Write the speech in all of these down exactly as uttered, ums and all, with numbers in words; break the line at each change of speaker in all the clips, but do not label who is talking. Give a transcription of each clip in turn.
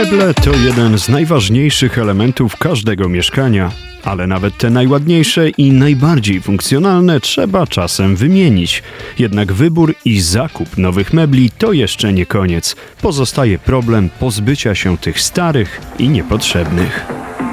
Meble to jeden z najważniejszych elementów każdego mieszkania, ale nawet te najładniejsze i najbardziej funkcjonalne trzeba czasem wymienić. Jednak wybór i zakup nowych mebli to jeszcze nie koniec. Pozostaje problem pozbycia się tych starych i niepotrzebnych.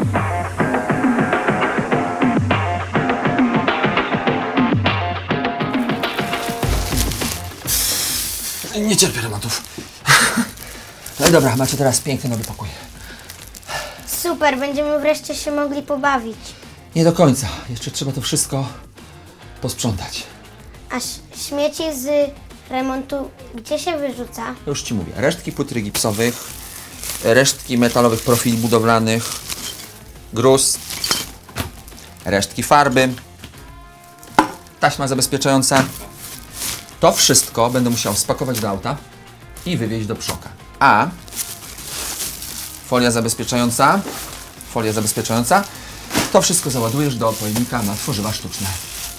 Nie cierpię remontów. No dobra, macie teraz piękny nowy pokój.
Super, będziemy wreszcie się mogli pobawić.
Nie do końca. Jeszcze trzeba to wszystko posprzątać.
A ś- śmieci z remontu gdzie się wyrzuca?
Już ci mówię. Resztki płyt gipsowych, resztki metalowych profili budowlanych, gruz, resztki farby, taśma zabezpieczająca. To wszystko będę musiał spakować do auta i wywieźć do przoka. A folia zabezpieczająca, folia zabezpieczająca, to wszystko załadujesz do pojemnika na tworzywa sztuczne.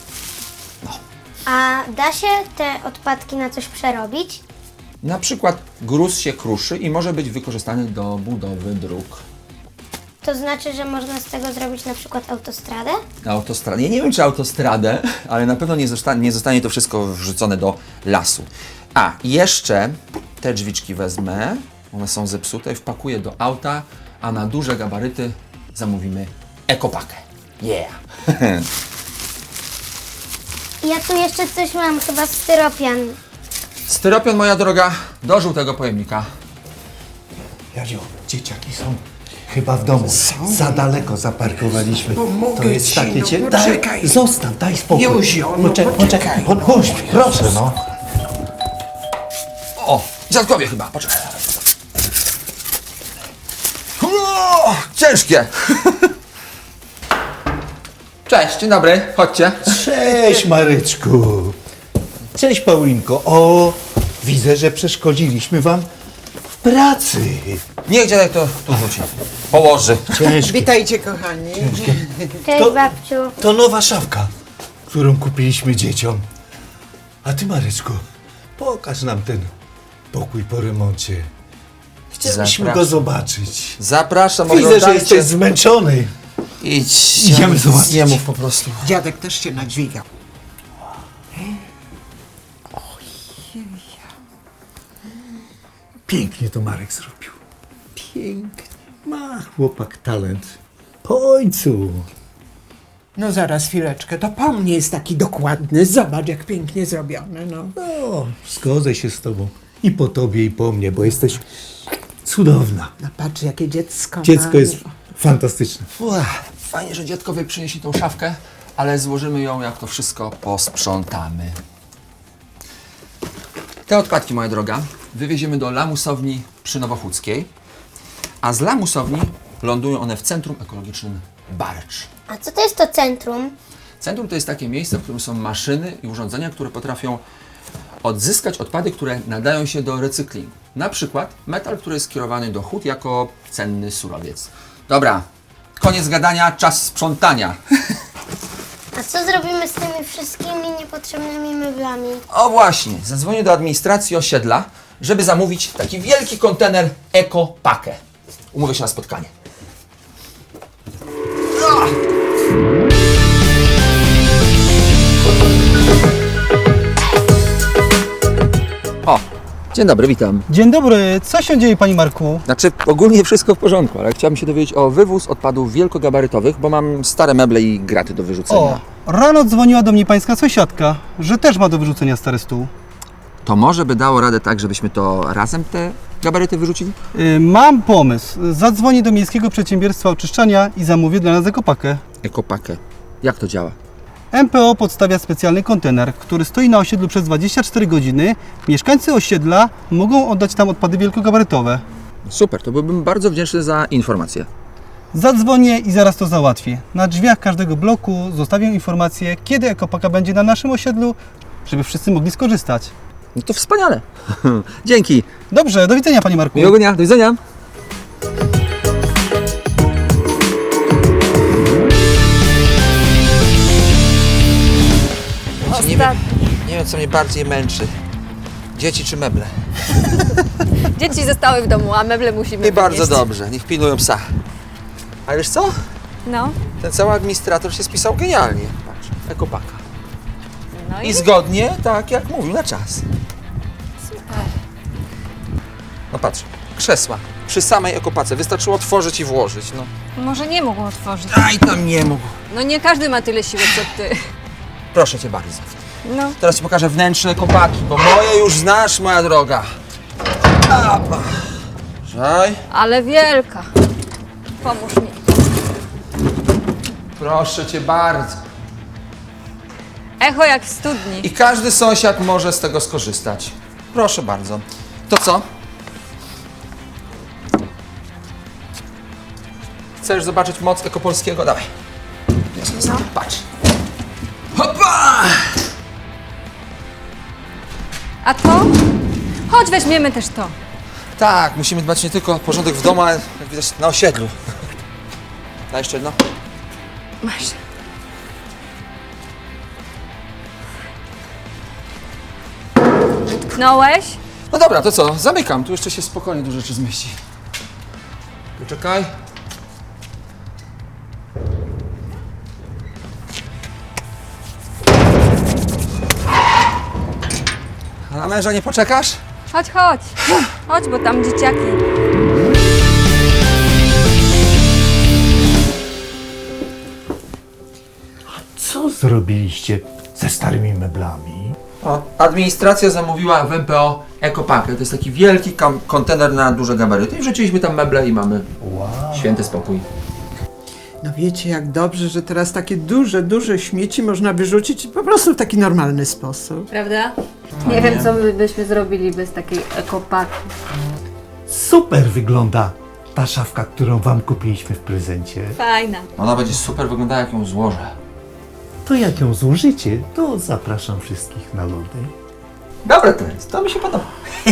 A da się te odpadki na coś przerobić?
Na przykład gruz się kruszy i może być wykorzystany do budowy dróg.
To znaczy, że można z tego zrobić na przykład autostradę?
Autostradę. Ja nie wiem, czy autostradę, ale na pewno nie zostanie, nie zostanie to wszystko wrzucone do lasu. A, jeszcze te drzwiczki wezmę, one są zepsute, wpakuję do auta, a na duże gabaryty zamówimy ekopakę. Yeah!
Ja tu jeszcze coś mam, chyba styropian.
Styropian, moja droga, do żółtego pojemnika.
Jadziu, dzieciaki są chyba w domu. Za daleko zaparkowaliśmy.
Pomogę
To jest
ci,
takie
no
cie...
poczekaj.
Daj, zostaw, daj spokój.
Józio, no
Poczekaj,
poczekaj.
poczekaj. Po, puść, proszę, no.
O, dziadkowie chyba, poczekaj. O, ciężkie! Cześć, dzień dobry, chodźcie.
Cześć, Maryczku. Cześć, Paulinko. O, widzę, że przeszkodziliśmy wam w pracy.
Niech dziadek to tu wróci. Położy.
Ciężkie.
Witajcie, kochani.
Cześć,
To-
babciu.
To nowa szafka, którą kupiliśmy dzieciom. A ty, Maryczku, pokaż nam ten pokój po remoncie. Chcieliśmy
Zapraszam.
go zobaczyć.
Zapraszam,
Widzę, że
oglądajcie.
jesteś zmęczony.
Idź.
Idziemy zobaczyć.
Nie mów po prostu.
Dziadek też się nadźwigał.
Pięknie to Marek zrobił. Pięknie. Ma chłopak talent. Po ojcu.
No zaraz, chwileczkę, to po mnie jest taki dokładny. Zobacz, jak pięknie zrobione, no.
No, zgodzę się z tobą. I po tobie, i po mnie, bo jesteś cudowna.
No patrz, jakie dziecko
Dziecko
ma.
jest fantastyczne.
Uch, fajnie, że dziadkowie przynieśli tą szafkę, ale złożymy ją, jak to wszystko posprzątamy. Te odpadki, moja droga, wywieziemy do lamusowni przy Nowochódzkiej, a z lamusowni lądują one w Centrum Ekologicznym Barcz.
A co to jest to centrum?
Centrum to jest takie miejsce, w którym są maszyny i urządzenia, które potrafią odzyskać odpady, które nadają się do recyklingu. Na przykład metal, który jest skierowany do hut jako cenny surowiec. Dobra, koniec gadania, czas sprzątania.
A co zrobimy z tymi wszystkimi niepotrzebnymi meblami?
O właśnie, zadzwonię do administracji osiedla, żeby zamówić taki wielki kontener ekopakę. Umówię się na spotkanie. O, dzień dobry, witam.
Dzień dobry, co się dzieje, Panie Marku?
Znaczy, ogólnie wszystko w porządku, ale chciałbym się dowiedzieć o wywóz odpadów wielkogabarytowych, bo mam stare meble i graty do wyrzucenia.
O, rano dzwoniła do mnie pańska sąsiadka, że też ma do wyrzucenia stary stół.
To może by dało radę tak, żebyśmy to razem te gabaryty wyrzucili?
Yy, mam pomysł. Zadzwonię do Miejskiego Przedsiębiorstwa Oczyszczania i zamówię dla nas ekopakę.
Ekopakę. Jak to działa?
M P O podstawia specjalny kontener, który stoi na osiedlu przez dwadzieścia cztery godziny. Mieszkańcy osiedla mogą oddać tam odpady wielkogabarytowe.
Super, to byłbym bardzo wdzięczny za informację.
Zadzwonię i zaraz to załatwię. Na drzwiach każdego bloku zostawię informację, kiedy ekopaka będzie na naszym osiedlu, żeby wszyscy mogli skorzystać.
No to wspaniale. Dzięki.
Dobrze, do widzenia, Panie Marku.
Miłego dnia. Do widzenia. Nie wiem, nie wiem, co mnie bardziej męczy. Dzieci czy meble?
Dzieci zostały w domu, a meble musimy
I bardzo
wynieść.
dobrze, niech pilnują psa. A wiesz co?
No,
Ten cały administrator się spisał genialnie. Patrz, ekopaka.
no i
I zgodnie, tak jak mówił, na czas.
super.
No patrz, krzesła przy samej ekopace. Wystarczyło otworzyć i włożyć. No.
Może nie mógł otworzyć.
Aj, tam nie mógł.
No nie każdy ma tyle siły co ty.
Proszę cię bardzo.
No,
Teraz ci pokażę wnętrze ekopaki, bo moje już znasz, moja droga. Żaj.
ale wielka. Pomóż mi.
Proszę cię bardzo.
Echo jak w studni.
I każdy sąsiad może z tego skorzystać. Proszę bardzo. To co? Chcesz zobaczyć moc ekopolskiego? Dawaj. Jasne, no. Patrz. Hopa!
A to? Chodź, weźmiemy też to.
Tak, musimy dbać nie tylko o porządek w domu, ale jak widać na osiedlu. Daj jeszcze jedno.
Masz. Utknąłeś?
No dobra, to co? Zamykam. Tu jeszcze się spokojnie dużo rzeczy zmieści. Poczekaj. A na męża nie poczekasz?
Chodź, chodź. Chodź, bo tam dzieciaki.
Co zrobiliście ze starymi meblami?
O, administracja zamówiła w M P O ekopakę. To jest taki wielki kam- kontener na duże gabaryty. I wrzuciliśmy tam meble i mamy święty spokój.
No wiecie, jak dobrze, że teraz takie duże, duże śmieci można wyrzucić po prostu w taki normalny sposób.
Prawda? Nie wiem, co my byśmy zrobili bez takiej ekopaki.
Super wygląda ta szafka, którą wam kupiliśmy w prezencie.
Fajna.
Ona będzie super wyglądała, jak ją złożę.
To jak ją złożycie, to zapraszam wszystkich na lody.
Dobra, to jest. To mi się podoba.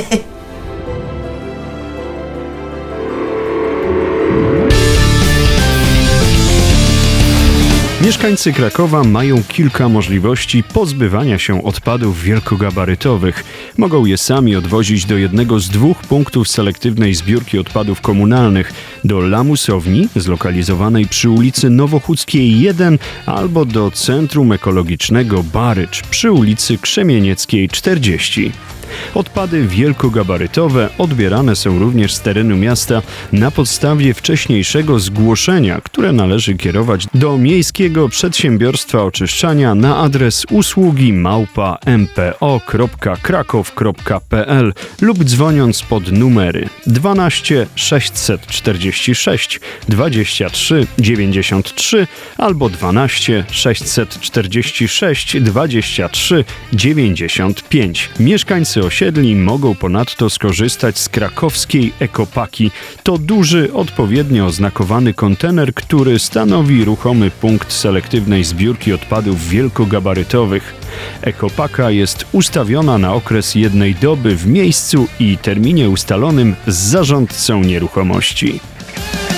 Mieszkańcy Krakowa mają kilka możliwości pozbywania się odpadów wielkogabarytowych. Mogą je sami odwozić do jednego z dwóch punktów selektywnej zbiórki odpadów komunalnych, do lamusowni zlokalizowanej przy ulicy Nowochódzkiej jeden albo do Centrum Ekologicznego Barycz przy ulicy Krzemienieckiej czterdzieści. Odpady wielkogabarytowe odbierane są również z terenu miasta na podstawie wcześniejszego zgłoszenia, które należy kierować do Miejskiego Przedsiębiorstwa Oczyszczania na adres usługi małpa m p o kropka krakow kropka p l lub dzwoniąc pod numery dwanaście sześćset czterdzieści sześć dwadzieścia trzy dziewięćdziesiąt trzy albo dwanaście sześćset czterdzieści sześć dwadzieścia trzy dziewięćdziesiąt pięć. Mieszkańcy osiedli mogą ponadto skorzystać z krakowskiej ekopaki. To duży, odpowiednio oznakowany kontener, który stanowi ruchomy punkt selektywnej zbiórki odpadów wielkogabarytowych. Ekopaka jest ustawiona na okres jednej doby w miejscu i terminie ustalonym z zarządcą nieruchomości.